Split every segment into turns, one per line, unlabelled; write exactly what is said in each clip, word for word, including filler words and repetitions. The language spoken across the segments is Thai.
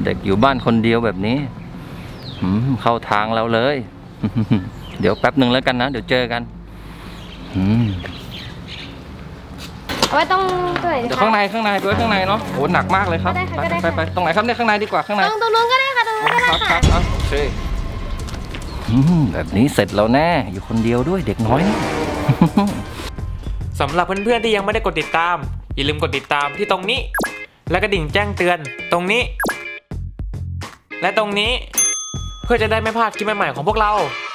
เด็กอยู่บ้านคนเดียวแบบนี้เข้าทางเราเลยเดี๋ยวแป๊บหนึ่งแล้วกันนะเดี๋ยวเจอกัน
เอาไว้ตรงตรงไหนดีคะ
เดี๋ยวข้างในข้างในด้วยข้างในเนาะโหหนักมากเลยครับไปไปไปตรงไหนครับเนี่ยข้างในดีกว่าข้างใน
ตรงตรงนู้นก็ได้ค่ะตรงนู้นก็ได้ค่ะ
ครับโอเคแบบนี้เสร็จแล้วแน่อยู่คนเดียวด้วยเด็กน้อยนี่
สำหรับเพื่อนๆที่ยังไม่ได้กดติดตามอย่าลืมกดติดตามที่ตรงนี้และกระดิ่งแจ้งเตือนตรงนี้และตรงนี้เพื่อจะได้ไม่พลาดคลิปใหม่ๆของพวกเรา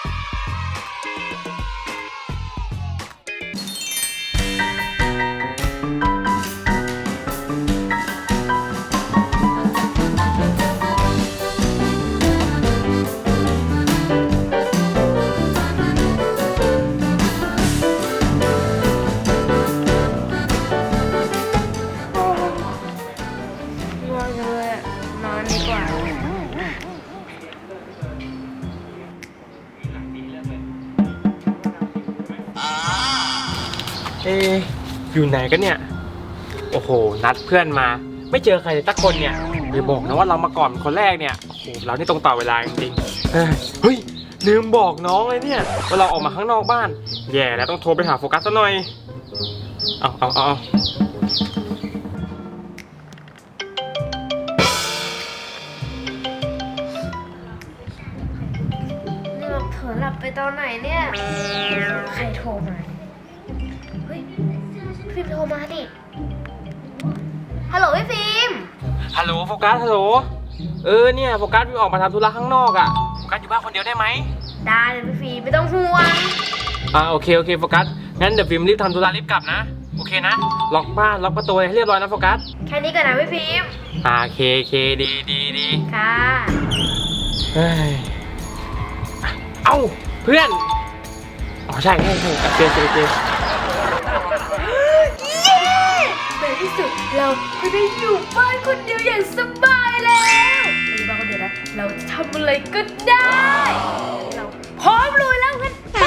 เออยู่ไหนกันเนี่ยโอ้โหนัดเพื่อนมาไม่เจอใครเลยสักคนเนี่ยเดี๋ยวบอกนะว่าเรามาก่อนคนแรกเนี่ยโอ้โหเรานี่ตรงต่อเวลาจริงๆเฮ้ยลืมบอกน้องเลยเนี่ยว่าเราออกมาข้างนอกบ้านแย่แล้วต้องโทรไปหาโฟกัสซะหน่อยเอาเอาเอา
เราเผลอหลับไปตอนไหนเนี่ยใครโทรมาเฮ้ยฟิล์มโทรมาดิฮัลโหลพี่ฟิล์ม
ฮัลโหลโฟกัสฮัลโหลเออเนี่ยโฟกัสวิ่งออกมาทำธุระข้างนอกอ่ะโฟกัสอยู่บ้านคนเดียวได้ไหม
ได้เลยพี่ฟิล์มไม่ต้องห่วง
อ่าโอเคโอเคโฟกัสงั้นเดี๋ยวฟิล์มรีบทำธุระรีบกลับนะโอเคนะล็อกบ้านล็อกประตูให้เรียบร้อยนะโฟกัส
แค่นี้ก่อนนะพี่ฟิล์ม
อ่าโอเคโอเคดีดีดี
ค่ะ
เฮ้ยเอ้าเพื่อนอ๋อใช่ใช่ใช่โอเคโอเคโอเค
ในที่สุดเราก็ได้อยู่บ้านคนเดียวอย่างสบายแล้วในบ้านคนเดียวนะเราจะทำอะไรก็ได้เราพร้อมลุยแล้วงั้นไป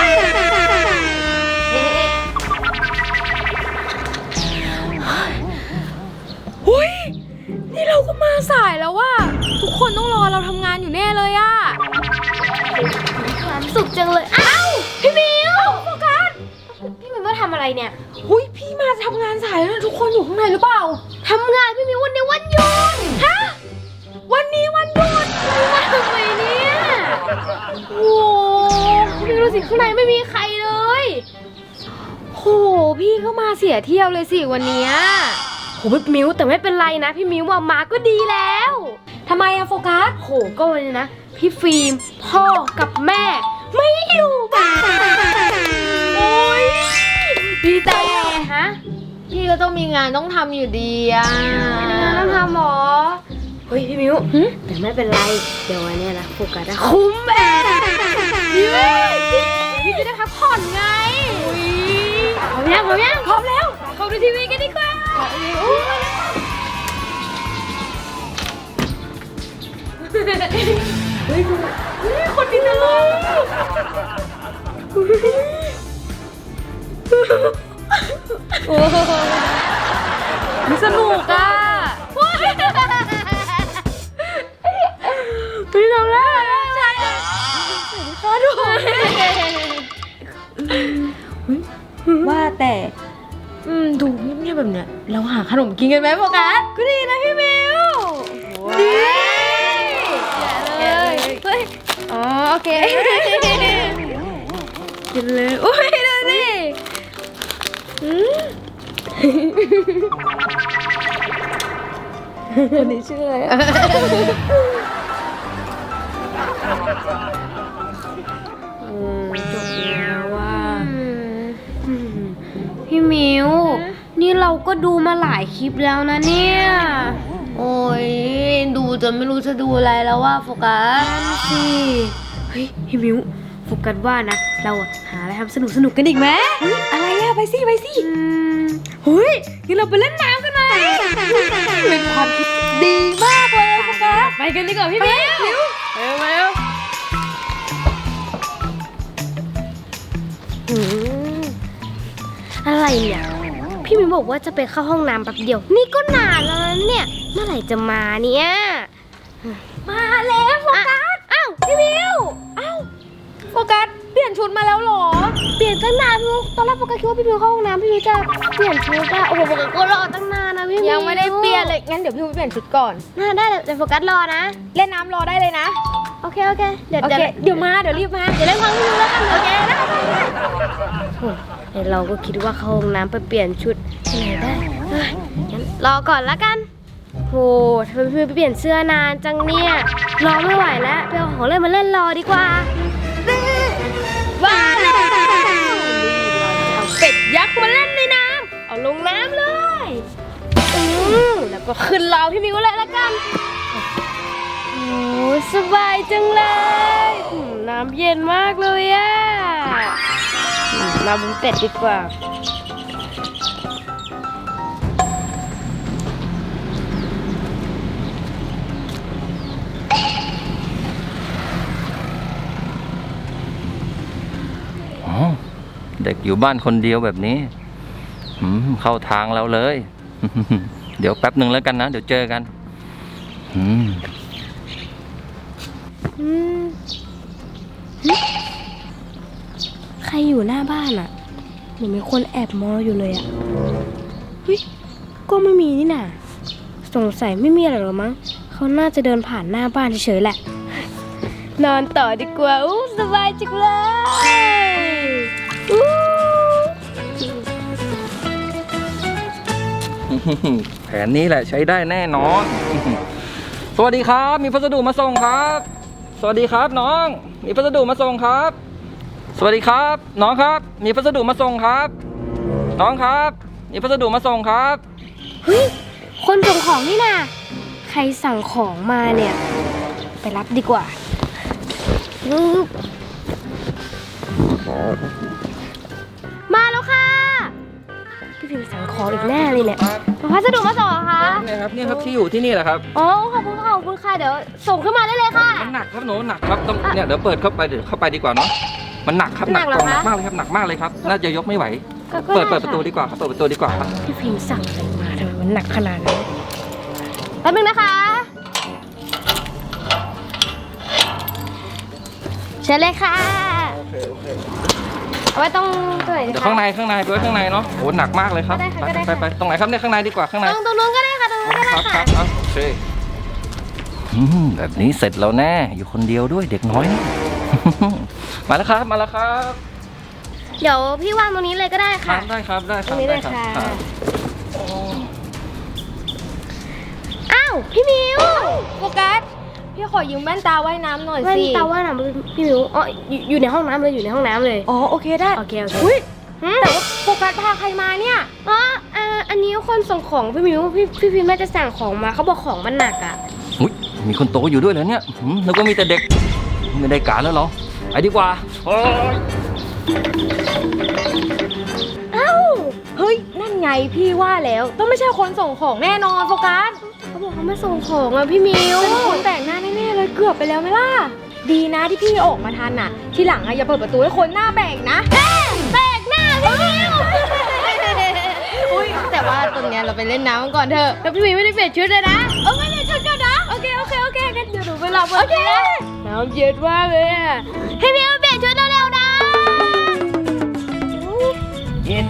หุ้ยนี่เราก็มาสายแล้วว่ะทุกคนต้องรอเราทำงานอยู่แน่เลยอะ
มีความสุขจังเลยอ้าวพี่มิวโฟกัสพี่มิวมาทำอะไรเนี่ย
หุ้ยพี่มาทำงานสายแล้วทุกคนอยู่ข้างในหรือเปล่า
ทำงานพี่มิววันนี้วันหยุด
ฮะวันนี้วันหยุด
พี่มาทำไมเนี่ยโอ้พี่ดูสิข้างในไม่มีใครเลย
โหพี่ก็มาเสียเที่ยวเลยสิวันนี้
โหพี่มิวแต่ไม่เป็นไรนะพี่มิวมาก็ดีแล้ว
ทำไมอะโฟกัส
โหก็วันนี้นะพี่ฟิล์มพ่อกับแม่ไม่อยู่บ้าน
โอ้ยพี่แต่
ฮะ
พี่ก็ต้องมีงานต้องทำอยู่ดีอะ
งานต้องทำหรอเฮ้ยพี่มิวแต่ไม่เป็นไรเดี๋ยววันนี้นะโฟกัสได้
คุ้มแอบ
พี่พี่จะได้พักผ่อนไงพร้อมยังพร้อมยัง
พร้อมแล้ว
เข้าดูทีวีกันดีกว่าเฮ้ยคนดีจังเลย
โอ้มันสนุกอ่ะ
พี่ทำแล้ว
ใช่ขอดูว่าแต่อืมดูเงียบๆแบบเนี้ยเราหาขนมกินกันไหมโฟกัสก็ดีนะพี่มิวดี
แกะเลยเฮ้ย
อ๋อโอเคกินเลยโอ้ยดูสิคนนี้ชื่ออะไรอ่ะ
จบแล้วว่าพี่มิวนี่เราก็ดูมาหลายคลิปแล้วนะเนี่ยโอ้ยดูจนไม่รู้จะดูอะไรแล้วว่าโฟกัสสิเฮ้ยพี่มิวโฟกัสว่านะเราหาอะไรทำสนุกสนุกกันอีกไหม
อะไรอะไปสิไปสิ
เฮ้ยงั้นเราไปเล่นน้ำกันไหม
เป็นความคิดดีมากเลยโฟกัส
ไปกันดีกว่าพี่มิวเร็วเร็วอะไรเนี่ยพี่มิวบอกว่าจะไปเข้าห้องน้ำแป๊บเดียวนี่ก็นานแล้วนะเนี่ยเมื่อไหร่จะมาเนี่ย
มาแล้วโฟกัส
อ้าวพี่มิว
อ้าวโฟกัสเปลี่ยนชุดมาแล้วเหรอ
เปลี่ยนตั้งนานพี่มิวตอนแรกโฟกัสคิดว่าพี่มิวเข้าห้องน้ำพี่มิวจะเปลี่ยนชุดอะโอ้โหโฟกัสก็รอตั้งนานนะพี่มิว
ยังไม่ได้เปลี่ยนเลยงั้นเดี๋ยวพี่ไปเปลี่ยนชุดก่อน
น่าได้เดี๋ยวโฟกัสรอนะ
เล่นน้ำรอได้เลยนะ
โอเคโอเคเดี๋ยว
โอ
เดี๋ยว
เคเดี๋ยวมาเดี๋ยวรีบมา
เดี๋ยวเล่นความพี่มิวแล้วกันโอเคได้ได้เราก็คิดว่าเข้าห้องน้ำไปเปลี่ยนชุดที่ไหนได้เฮ้ยงั้นรอก่อนละกันโหทำไมพี่มิวไปเปลี่ยนเสื้อนานจังเนี่ยรอไม่ไหวแล้วไปเอาของเล่นมาเล่นรอดีกว่าว้าวนี่เราจะเอาเป็ดยักษ์มาเล่นในน้ำเอาลงน้ำเลยอืมแล้วก็ขึ้นรอพี่มิวเลยละกันโอ้สบายจังเลยอืมน้ำเย็นมากเลยอะอืมมาบนเป็ดดีกว่า
อ๋อเด็กอยู่บ้านคนเดียวแบบนี้อืมเข้าทางเราเลย เดี๋ยวแป๊บหนึ่งแล้วกันนะ เดี๋ยวเจอกัน อืม
อืมหึใครอยู่หน้าบ้านอะเหมือนมีคนแอบมองเราอยู่เลยอะเฮ้ยก็ไม่มีนี่น่ะสงสัยไม่มีอะไรหรอกมั้งเขาน่าจะเดินผ่านหน้าบ้านเฉยๆแหละ นอนต่อดีกว่าอู้สบายจังเลยอู้
แผนนี้แหละใช้ได้แน่นอน สวัสดีครับ มีพัสดุมาส่งครับ สวัสดีครับน้อง มีพัสดุมาส่งครับ สวัสดีครับ น้องครับ มีพัสดุมาส่งครับ น้องครับ มีพัสดุมาส่งครับ
เฮ้ยคนส่งของนี่น่ะใครสั่งของมาเนี่ย ไปรับดีกว่าปึ๊บมาแล้วค่ะ พี่พิมพ์สั่งของอีกแน่เลยเนี่ยพัสดุมาส่งเหรอคะ
นี่ครับนี่ครับที่อยู่ที่นี่แหละครับ
อ๋อขอบคุณค่ะขอบคุณค่ะเดี๋ยวส่งขึ้นมาได้เลยค่ะ
มันหนักครับหนูหนักครับต้องเนี่ยเดี๋ยวเปิดเข้าไปเดี๋ยวเข้าไปดีกว่าเนาะ มันหนักครับหนัก
หนักเหร
ก
อ
ล่องหนัก
คะ
มากเลยครับหนักมากเลยครับ น่าจะยกไม่ไหว
ก็ก็
เปิด
ไ
เปิดประตูดีกว่าครับเปิดประตูดีกว่าครับ
พี่พิมพ์สั่งอะไรมาทำไมมันหนักขนาดนี้แป๊บนึงนะคะเชิญเลยค่ะ
โอเคโอเค
เอาไว้ตรงตัวไหนดี
เดี๋ยว
คะ
ข้างในข้างในไปไว้ข้างในเนาะโอ้หนักมากเลยครับ
ก็ได้ค่ะ
ไป
ก็ได้
ไป
ค่ะ
ไปตรงไหนครับเนี่ยข้างในดีกว่าข้างใน
ตรงตรงนู้นก็ได้ค่ะตรงนู้นก็ได้
ครับค
ค่ะ
รับครับโอเคอืมแบบนี้เสร็จแล้วแน่อยู่คนเดียวด้วยเด็กน้อยนี่ มาแล้วครับมาแล้วครับ
เดี๋ยวพี่วางตรงนี้เลยก็ได้
ครั
ค่ะ
บได้ครับได้ค
ตร
รับ
งนี้เล
ได้
ย
ครับ
ค่ะ
ครับโอ้
อ้าวพี่มิว
โฟกัส พี่ขอยืมแว่นตาว่ายน้ำหน่อย
แว่น
สิ
ตาว่าน่ะพี่มิวอ๋ออยู่อยู่ในห้องน้ำเลยอยู่ในห้องน้ำเลย
อ๋อโอเคได้
โอเคโอเค
อุ้ย
หืม
แต่ว่าโฟกัสพาใครมาเนี่ย
อ๋ออ่าอันนี้คนส่งของพี่มิวพี่พี่พิมพ์น่าจะสั่งของมาเขาบอกของมันหนักอ่ะ
อุ๊ยมีคนโตอยู่ด้วยเหรอเนี่ยหืมแล้วก็มีแต่เด็กไม่ได้การแล้วเหรอไปดีกว่าโอ้ย
เอ้า เฮ้ย นั่นไงพี่ว่าแล้ว ต้องไม่ใช่คนส่งของแน่นอนโฟกัส
เขาบอกเขามาส่งของอ่ะพี่มิว
เป็นคนแต่งหน้าแน่ๆเลยเกือบไปแล้วไหมล่ะ ดีนะที่พี่ออกมาทันน่ะ ทีหลังอะอย่าเปิดประตูให้คนหน้าแบกนะ
แปลกหน้าพี่มิว
อุ้ยแต่ว่าตรงเนี้ยเราไปเล่นน้ำกันก่อนเถอะ
แล้วพี่มิวไม่ได้เปลี่ยนชุดเลยนะเออไม่ได้ชุดก่อนนะโอเคโอเคโอเคงั้นเดี๋ยวหนูไปรับโอเคน้ำเย็นมากเลยอ่ะพี่มิวเปลี่ยนชุดเร็วๆนะ
เย็น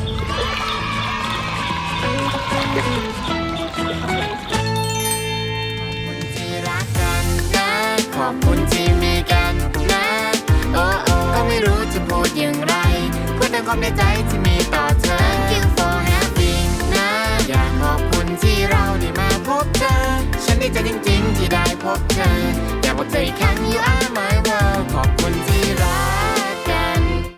ที่รักกันนะขอบคุณที่มีกันนะ โอ้โอ้ก็ไม่รู้จะพูดอย่างไรพูดในความในใจที่มีต่อเธอ Thank you for having นะ อยากขอบคุณที่เราได้มาพบเธอ ฉันดีใจจริงๆที่ได้พบเธอ อยากบอกเธออีกครั้ง you are